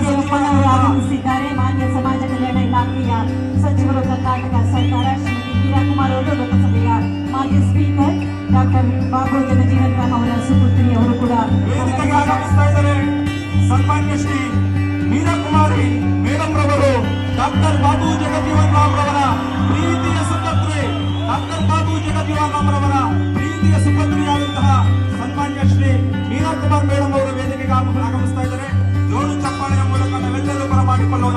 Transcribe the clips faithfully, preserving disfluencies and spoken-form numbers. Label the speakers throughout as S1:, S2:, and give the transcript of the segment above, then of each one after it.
S1: ದೇವಪ್ಪನವರು ಆಗಮಿಸಿದ್ದಾರೆ. ಮಾನ್ಯ ಸಮಾಜ ಕಲ್ಯಾಣ ಇಲಾಖೆಯ ಸಚಿವರು, ಕರ್ನಾಟಕ ಸರ್ಕಾರ, ಶ್ರೀಮತಿ ಮೀರಾಕುಮಾರ್ ಅವರು, ಲೋಕಸಭೆಯ ಮಾಜಿ ಸ್ಪೀಕರ್ ಡಾಕ್ಟರ್ ಬಾಬು ಜಗಜೀವನ್ ರಾಮ್ ಅವರ ಸುಪುತ್ರಿ ಅವರು ಕೂಡ
S2: ಆಗಮಿಸ್ತಾ ಇದ್ದಾರೆ. ಸನ್ಮಾನ್ಯ ಶ್ರೀ ಮೀರಾಕುಮಾರಿ ಮೇಡಮ್ ರವರು ಡಾಕ್ಟರ್ ಬಾಬು ಜಗಜೀವನ್ ರಾಮ್ ರವರ ಪ್ರೀತಿಯ ಸುಪುತ್ರಿ, ಡಾಕ್ಟರ್ ಬಾಬು ಜಗಜೀವನ್ ರಾಮ್ ರವರ ಪ್ರೀತಿಯ ಸುಪುತ್ರಿಯಾದಂತಹ ಸನ್ಮಾನ್ಯ ಶ್ರೀ ಮೀರಾಕುಮಾರ್ ಮೇಡಮ್ ಅವರು ವೇದಿಕೆಗೆ ಆಗಮಿಸ್ತಾ ಇದ್ದಾರೆ. ಜೋರು ಚಪ್ಪಾಳೆಯ ಮೂಲಕ ನಾವೆಲ್ಲರೂ ಬರಮಾಡಿಕೊಳ್ಳೋಣ.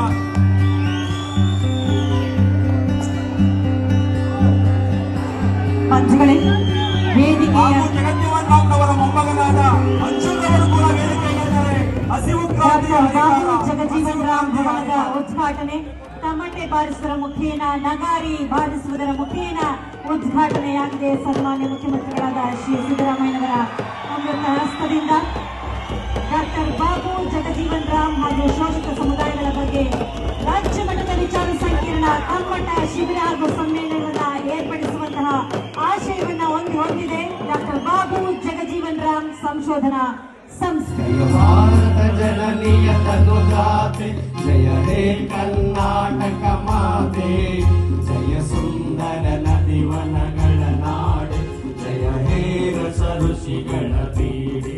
S1: ಮಂಜುಗಳೇ, ವೇದಿಕೆಯ
S2: ಜಗಜೀವನ್ ರಾಮ್ ರವರ ಮೊಮ್ಮಗನಾದ ಮಂಜುರವರು ಕೂಡ ವೇದಿಕೆಯಲ್ಲಿದ್ದಾರೆ. ಹಸಿವು ಕ್ರಾಂತಿ
S1: ಜಗಜೀವನ್ ರಾಮ್ ಭವನದ ಉದ್ಘಾಟನೆ ತಮಟೆ ಬಾರಿಸುವುದರ ಮುಖೇನ, ನಗಾರಿ ಬಾರಿಸುವುದರ ಮುಖೇನ ಉದ್ಘಾಟನೆಯಾಗಿದೆ. ಸನ್ಮಾನ್ಯ ಮುಖ್ಯಮಂತ್ರಿಗಳಾದ ಶ್ರೀ ಸಿದ್ದರಾಮಯ್ಯನವರ ಅಮೃತ ಹಸ್ತದಿಂದ ಡಾಕ್ಟರ್ ಬಾಬು ಜಗಜೀವನ್ ರಾಮ್ ಹಾಗೂ ಶೋಷಿತ ಸಮುದಾಯಗಳ ಬಗ್ಗೆ ರಾಜ್ಯ ಮಟ್ಟದ ವಿಚಾರ ಸಂಕಿರಣ ಕಮ್ಮಟ ಶಿಬಿರ ಹಾಗೂ ಸಮ್ಮೇಳನವನ್ನ ಏರ್ಪಡಿಸುವಂತಹ ಆಶಯವನ್ನ ಹೊಂದಿ ಹೊಂದಿದೆ ಡಾಕ್ಟರ್ ಬಾಬು ಜಗಜೀವನ್ ರಾಮ್ ಸಂಶೋಧನಾ ಸಂಸ್ಥೆ.
S3: ಭಾರತ ಜನನೀಯ ತನುಜಾತೆ ಜಯ ಹೇ ಕರ್ನಾಟಕ ಮಾತೆ, ಜಯ ಸುಂದರ ನದಿವನಗಳ ನಾಡೆ, ಜಯ ಹೇ ರಸ ಋಷಿಗಳ ಪೀಡೆ.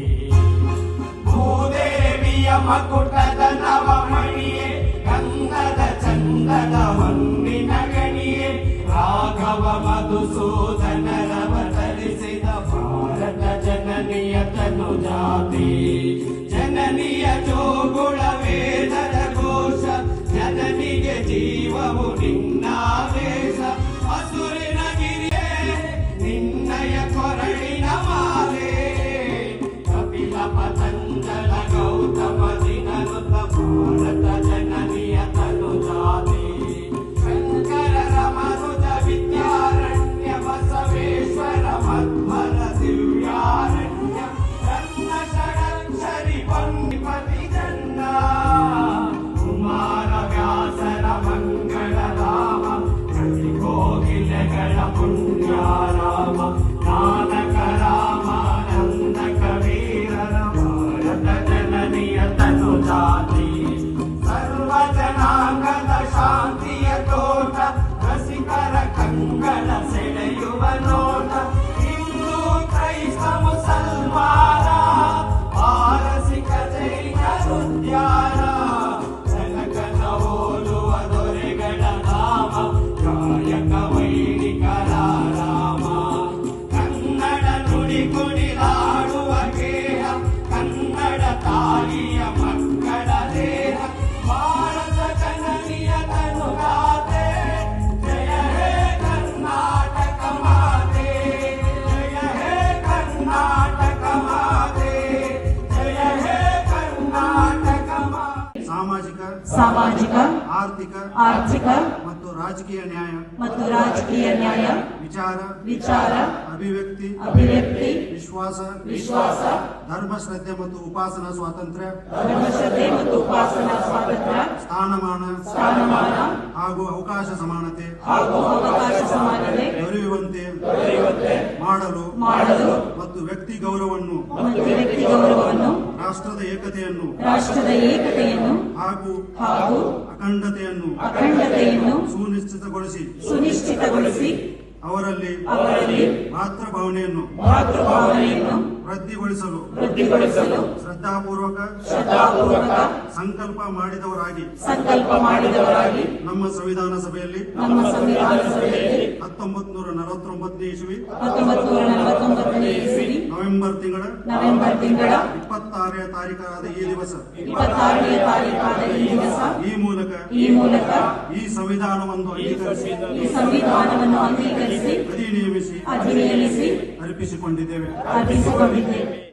S3: ಭೂದೇವಿಯ ಮಕುಟದ ನವಮಣಿಯೇ, ಗಂಧದ ಚಂದದ ಹೊನ್ನಿನ ಗಣಿಯೇ, ರಾಘವ ಮಧುಸೂದನರವತರಿಸಿದ ಭಾರತ ಜನನಿಯ ತನುಜಾತಿ. ಜನನಿಯ ಜೋಗುಳ ವೇದದ ಘೋಷ, ಜನನಿಗೆ ಜೀವವು ನಿನ್ನಾವೇಶ. ಹಸುರಿನ ಗಿರಿಯೇ ನಿನ್ನಯ ಕೊರಳಿನ ಮಾಲೆ, ಕಪಿಲ ಪತಂಜಲ ಗೌತಮ ದಿನನುತ ಭಾರತ ಜನನಿಯ ತನುಜಾತಿ. ಶಂಕರ ರಮನುಜ ವಿದ್ಯಾರಣ್ಯ ಬಸವೇಶ್ವರ ಮಧ್ವರ ದಿವ್ಯಾರಣ್ಯ, ರತ್ನ ಷಡಕ್ಷರಿ ಪಂಡಿಪತಿ ಜನ್ನ, ಕುಮಾರ ವ್ಯಾಸರ ಮಂಗಳ ರಾಮ, ಕವಿ ಕೋಗಿಲೆಗಳ ಪುಣ್ಯಾರಾಮ, ನಾನಕ ರಾಮಾನಂದ ಕವೀರರ ಭಾರತ ಜನನಿಯ ತನುಜಾತಿ. ಸರ್ವ ಜನಾಂಗದ ಶಾಂತಿಯ ತೋಟ, ರಸಿಕರ ಕಂಗಳ ಸೆಳೆಯುವ ನೋಟ, ಹಿಂದೂ ಕ್ರೈಸ್ತ ಮುಸಲ್ಮಾನ, ಪಾರಸಿಕ ಜೈನ ಉದ್ಯಾನ, ಜನಕನ ಹೋಲುವ ದೊರೆಗಳ ನಾಮ, ಕಾಯಕ ವೈಣಿಕರ ರಾಮ. ಕನ್ನಡ ನುಡಿ ಕುಣಿಲಾಡುವ ಗೇಹ, ಕನ್ನಡ ತಾಯಿಯ ಮಕ್ಕಳ ದೇಹ, ಭಾರತ ಜನನಿಯ ತನುಜಾತೆ. ಜಯ ಹೇ ಕರ್ನಾಟಕ ಮಾತೆ, ಜಯ ಹೇ ಕರ್ನಾಟಕ ಮಾತೆ, ಜಯ ಹೇ ಕರ್ನಾಟಕ ಮಾತೆ.
S2: ಸಾಮಾಜಿಕ
S1: ಸಾಮಾಜಿಕ
S2: ಆರ್ಥಿಕ
S1: ಆರ್ಥಿಕ
S2: ಮತ್ತು ರಾಜಕೀಯ ನ್ಯಾಯ
S1: ಮತ್ತು ರಾಜಕೀಯ ನ್ಯಾಯ,
S2: ವಿಚಾರ
S1: ವಿಚಾರ
S2: ಅಭಿವ್ಯಕ್ತಿ
S1: ಅಭಿವ್ಯಕ್ತಿ
S2: ವಿಶ್ವಾಸ
S1: ವಿಶ್ವಾಸ,
S2: ಧರ್ಮ ಶ್ರದ್ಧೆ ಮತ್ತು ಉಪಾಸನಾ ಸ್ವಾತಂತ್ರ್ಯ,
S1: ಧರ್ಮಶ್ರದ್ಧೆ ಮತ್ತು ಉಪಾಸನಾ ಸ್ವಾತಂತ್ರ್ಯ,
S2: ಸ್ಥಾನಮಾನ
S1: ಸ್ಥಾನಮಾನ
S2: ಹಾಗೂ ಅವಕಾಶ ಸಮಾನತೆ
S1: ಹಾಗೂ ಅವಕಾಶ ಸಮಾನತೆ
S2: ದೊರೆಯುವಂತೆ ಮಾಡಲು
S1: ಮಾಡಲು
S2: ಮತ್ತು ವ್ಯಕ್ತಿ ಗೌರವವನ್ನು
S1: ಮತ್ತು ವ್ಯಕ್ತಿ ಗೌರವವನ್ನು,
S2: ರಾಷ್ಟ್ರದ ಏಕತೆಯನ್ನು
S1: ರಾಷ್ಟ್ರದ ಏಕತೆಯನ್ನು
S2: ಹಾಗೂ
S1: ಹಾಗೂ
S2: ಅಖಂಡತೆಯನ್ನು
S1: ಅಖಂಡತೆಯನ್ನು
S2: ಸುನಿಶ್ಚಿತಗೊಳಿಸಿ
S1: ಸುನಿಶ್ಚಿತಗೊಳಿಸಿ
S2: ಅವರಲ್ಲಿ
S1: ಅವರಲ್ಲಿ
S2: ಮಾತೃಭಾವನೆಯನ್ನು
S1: ಮಾತೃಭಾವನೆಯನ್ನು
S2: ವೃದ್ಧಿಗೊಳಿಸಲು
S1: ವೃದ್ಧಿಗೊಳಿಸಲು
S2: ಶ್ರದ್ಧಾಪೂರ್ವಕ
S1: ಶ್ರದ್ಧಾಪೂರ್ವಕ
S2: ಸಂಕಲ್ಪ ಮಾಡಿದವರಾಗಿ
S1: ಸಂಕಲ್ಪ ಮಾಡಿದವರಾಗಿ
S2: ನಮ್ಮ ಸಂವಿಧಾನ ಸಭೆಯಲ್ಲಿ
S1: ನಮ್ಮ ಸಂವಿಧಾನ ಸಭೆಯಲ್ಲಿ
S2: ಹತ್ತೊಂಬತ್ತು ನೂರ ನಲವತ್ತೊಂಬತ್ತನೇ ಇಸ್ವಿ
S1: ಹತ್ತೊಂಬತ್ತು ನೂರ ನಲವತ್ತೊಂಬತ್ತನೇ ಇಸವಿ
S2: ನವೆಂಬರ್ ತಿಂಗಳ
S1: ನವೆಂಬರ್ ತಿಂಗಳ
S2: ಇಪ್ಪತ್ತಾರನೇ ತಾರೀಕಾದ ಈ ದಿವಸ
S1: ಇಪ್ಪತ್ತಾರನೇ ತಾರೀಕಾದ ಈ ದಿವಸ
S2: ಈ ಮೂಲಕ
S1: ಈ ಮೂಲಕ
S2: ಈ ಸಂವಿಧಾನವನ್ನು ಅಂಗೀಕರಿಸಿ
S1: ಈ ಸಂವಿಧಾನವನ್ನು ಅಂಗೀಕರಿಸಿ
S2: ಅಧಿನಿಯಮಿಸಿ
S1: ಅಧಿನಿಯಮಿಸಿ
S2: ಅರ್ಪಿಸಿಕೊಂಡಿದ್ದೇವೆ.
S1: ಅರ್ಪಿಸಿಕೊಂಡಿದ್ದೇವೆ.